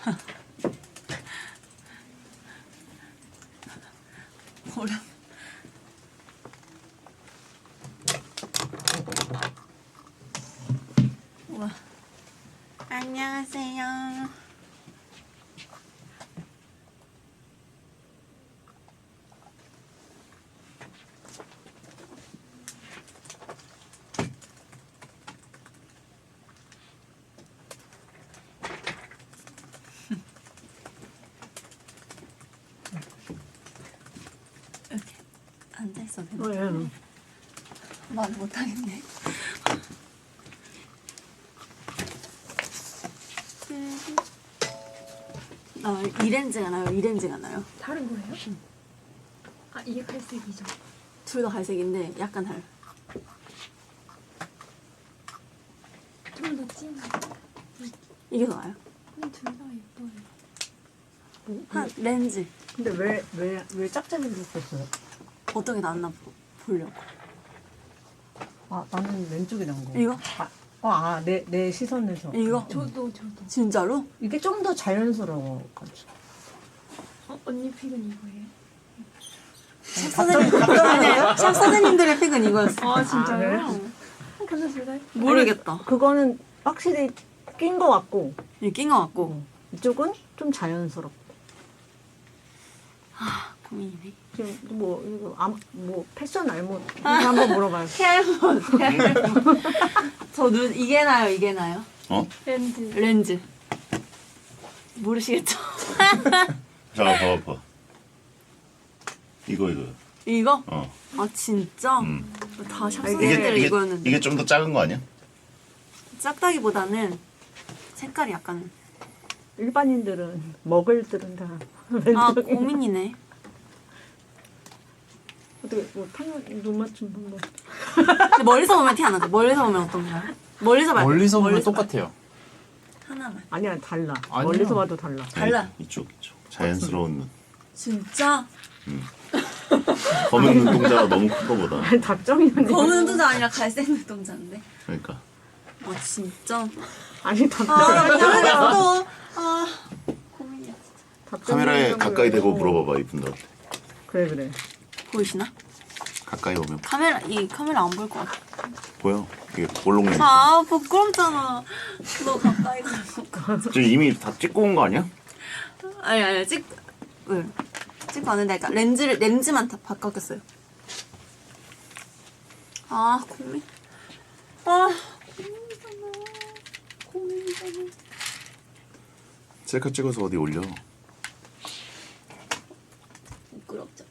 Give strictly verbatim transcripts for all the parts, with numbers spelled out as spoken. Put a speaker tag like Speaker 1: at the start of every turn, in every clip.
Speaker 1: 오랜. 우와. 안녕하세요. 이렇게 앉아있어도 되나?
Speaker 2: 왜?
Speaker 1: 말 못하겠네. 아, 이렌즈가 나요? 이렌즈가 나요?
Speaker 3: 다른 거예요? 응. 아 이게 갈색이죠.
Speaker 1: 둘 다 갈색인데 약간 달라.
Speaker 3: 좀 더 찐.
Speaker 1: 이게 더 나아요?
Speaker 3: 둘 다 예뻐요.
Speaker 1: 한 렌즈
Speaker 2: 근데 왜 왜 왜 짝짝이 생겼어요?
Speaker 1: 어떤 게 낫나 보- 보려고.
Speaker 2: 아 나는 왼쪽이 난 거.
Speaker 1: 이거?
Speaker 2: 아, 내, 내 시선에서.
Speaker 1: 이거?
Speaker 3: 저도 저도.
Speaker 1: 진짜로?
Speaker 2: 이게 좀 더 자연스러워.
Speaker 3: 어 언니 픽은 이거예요?
Speaker 1: 샵 사장님 아니에요? 샵 사장님들의 픽은 이거였어.
Speaker 3: 아 진짜요?
Speaker 2: 아,
Speaker 3: 어, 근데 둘 다.
Speaker 1: 모르겠다.
Speaker 2: 그거는 확실히 낀 거 같고,
Speaker 1: 이게 낀거 같고.
Speaker 2: 이쪽은 좀 자연스럽고.
Speaker 1: 아 고민이네.
Speaker 2: 지금 뭐, 이거, 아, 뭐, 패션 알못. 이거 한번 물어봐요.
Speaker 1: 헤어몬. 저 눈 이게 나요? 이게 나요?
Speaker 4: 어?
Speaker 3: 렌즈.
Speaker 1: 렌즈. 모르시겠죠?
Speaker 4: 자, 봐봐, 봐. 이거, 이거.
Speaker 1: 이거?
Speaker 4: 어.
Speaker 1: 아 진짜?
Speaker 4: 음.
Speaker 1: 다 샵
Speaker 2: 이게-
Speaker 1: 사장님들
Speaker 4: 이게,
Speaker 1: 이거였는데.
Speaker 4: 이게 좀 더 작은 거 아니야?
Speaker 1: 작다기보다는 색깔이 약간.
Speaker 2: 일반인들은, 먹을들은 다.
Speaker 1: 아
Speaker 2: 왼쪽에.
Speaker 1: 고민이네.
Speaker 2: 어떻게, 뭐, 탕, 눈 맞춤 한번.
Speaker 1: 근데 멀리서 보면 티 안 나죠? 멀리서 보면 어떤가요? 멀리서 말고.
Speaker 5: 멀리서 보면
Speaker 1: 멀리서
Speaker 5: 똑같아요.
Speaker 1: 하나만.
Speaker 2: 아니야, 달라.
Speaker 5: 아니요.
Speaker 2: 멀리서 봐도 달라.
Speaker 1: 달라.
Speaker 4: 아니, 이쪽, 이쪽. 자연스러운 눈.
Speaker 1: 진짜?
Speaker 4: 검은 눈동자가 너무 큰 거보다.
Speaker 2: 아니, 답정이면.
Speaker 1: 검은 눈동자 아니라 갈색 눈동자인데.
Speaker 4: 그러니까.
Speaker 1: 아 진짜?
Speaker 2: 아니,
Speaker 1: 아
Speaker 2: 답정이.
Speaker 1: 모르겠어. 아 고민이야.
Speaker 4: 카메라에 가까이 대고 물어봐봐, 이분들한테.
Speaker 2: 그래, 그래.
Speaker 1: 보이시나?
Speaker 4: 가까이 오면
Speaker 1: 카메라 이 카메라 안 보일 것 같아.
Speaker 4: 보여. 이게 볼록내.
Speaker 1: 아 부끄럽잖아. 너 가까이 가서.
Speaker 4: 지금 이미 다 찍고 온 거 아니야?
Speaker 1: 아니 아니 찍. 왜? 찍고 왔는데 그러니까 렌즈를 렌즈만 다 바꿨겠어요. 아 고민. 아 고민이잖아. 고민이잖아.
Speaker 4: 셀카 찍어서 어디 올려.
Speaker 1: 부끄럽잖아.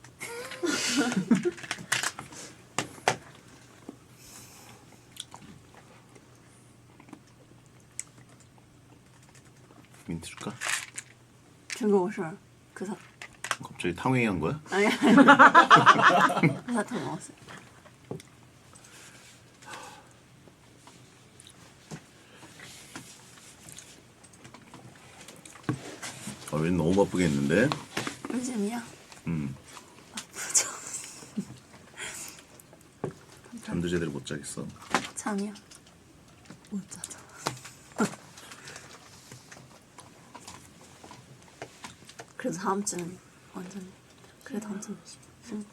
Speaker 4: 민트 줄까?
Speaker 1: 这个我是그 사.
Speaker 4: 갑자기 탕웨이 한 거야?
Speaker 1: 아니 아니. 그 사탕 먹었어요.
Speaker 4: 아, 왠 너무 바쁘겠는데?
Speaker 1: 요즘이야?
Speaker 4: 음.
Speaker 1: 아프죠.
Speaker 4: 잠도 제대로 못 자겠어.
Speaker 1: 잠이야. 못 자죠. 그래도 다음 주는 완전. 그래 다음 주는. 응.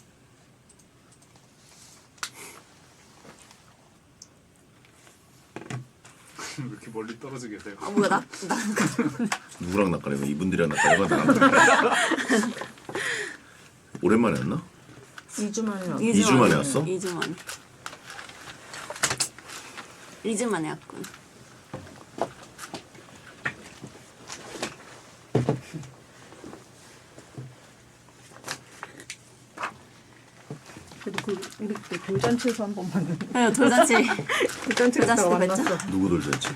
Speaker 5: 왜 이렇게 멀리 떨어져 계세요?
Speaker 1: 아 뭐야 나 나.
Speaker 4: 누구랑 낚아내고 이분들이랑 낚아내고 나랑 낚아내고. 오랜만에 왔나?
Speaker 2: 이 주 만에 왔어.
Speaker 4: 이 주 만에 왔어?
Speaker 1: 이 주 만에. 이 주 만에 왔군.
Speaker 2: 그래도 그, 우리 그때 돌잔치에서 한 번 봤는데.
Speaker 1: 네, 돌잔치.
Speaker 2: 돌잔치 갔다가
Speaker 1: 돌잔치 때
Speaker 2: 만났어.
Speaker 4: 누구 돌잔치?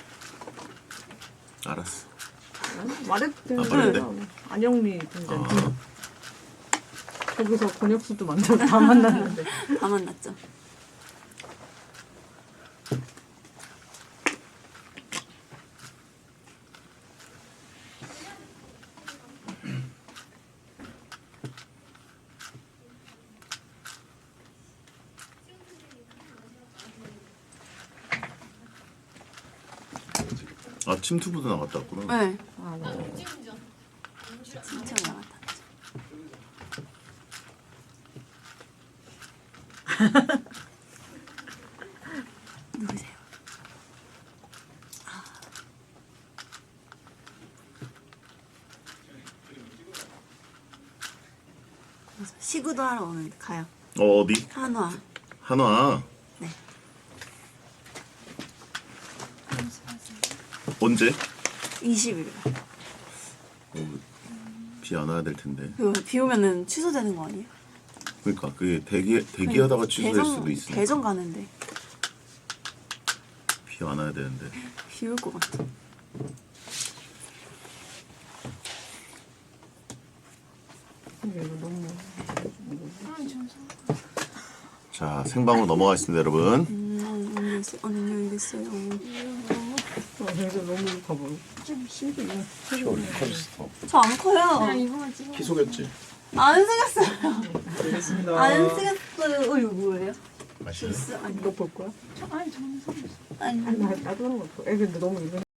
Speaker 4: 알았어.
Speaker 2: 말했대.
Speaker 4: 아, 말했대?
Speaker 2: 안영미 돌잔치. 거기서 권혁수도 만나고 다 만났는데.
Speaker 1: 다 만났죠.
Speaker 4: 아, 침투부도 나갔다 왔구나.
Speaker 1: 네.
Speaker 2: 아, 아, 네.
Speaker 1: 진짜 나갔다. 누구세요? 아. 그래서 시구도 하러 오는데 가요.
Speaker 4: 어, 어디?
Speaker 1: 한화.
Speaker 4: 한화.
Speaker 1: 네.
Speaker 4: 언제?
Speaker 1: 이십 일.
Speaker 4: 어, 비 안 와야 될 텐데.
Speaker 1: 그거 비 오면은 취소되는 거 아니에요?
Speaker 4: 그러니까 그게 대기 대기하다가 취소될
Speaker 1: 대전-
Speaker 4: 수도 있으니까.
Speaker 1: 대전 가는데
Speaker 4: 비 안 와야 되는데.
Speaker 1: 비 올 것 같아.
Speaker 2: 근데 이거 너무
Speaker 4: 자, 생방으로 넘어가겠습니다, 여러분.
Speaker 1: 음, 알겠어요. 언니 알겠어요.
Speaker 2: 아, 그래서 너무 봐봐. 좀 신기해.
Speaker 1: 저 안 커요.
Speaker 3: 그냥 이거만 찍어.
Speaker 4: 키 속였지?
Speaker 1: 안 쓰겠어요.
Speaker 4: 알겠습니다.
Speaker 1: 안 쓰겠어요. 어 이거 뭐예요?
Speaker 4: 맛있어?
Speaker 1: 주스 아니
Speaker 2: 이거 볼 거야?
Speaker 3: 아니 저는 상관없어.
Speaker 1: 아니.
Speaker 2: 아니, 나, 나도 하는 거 없어. 애 근데 너무 이거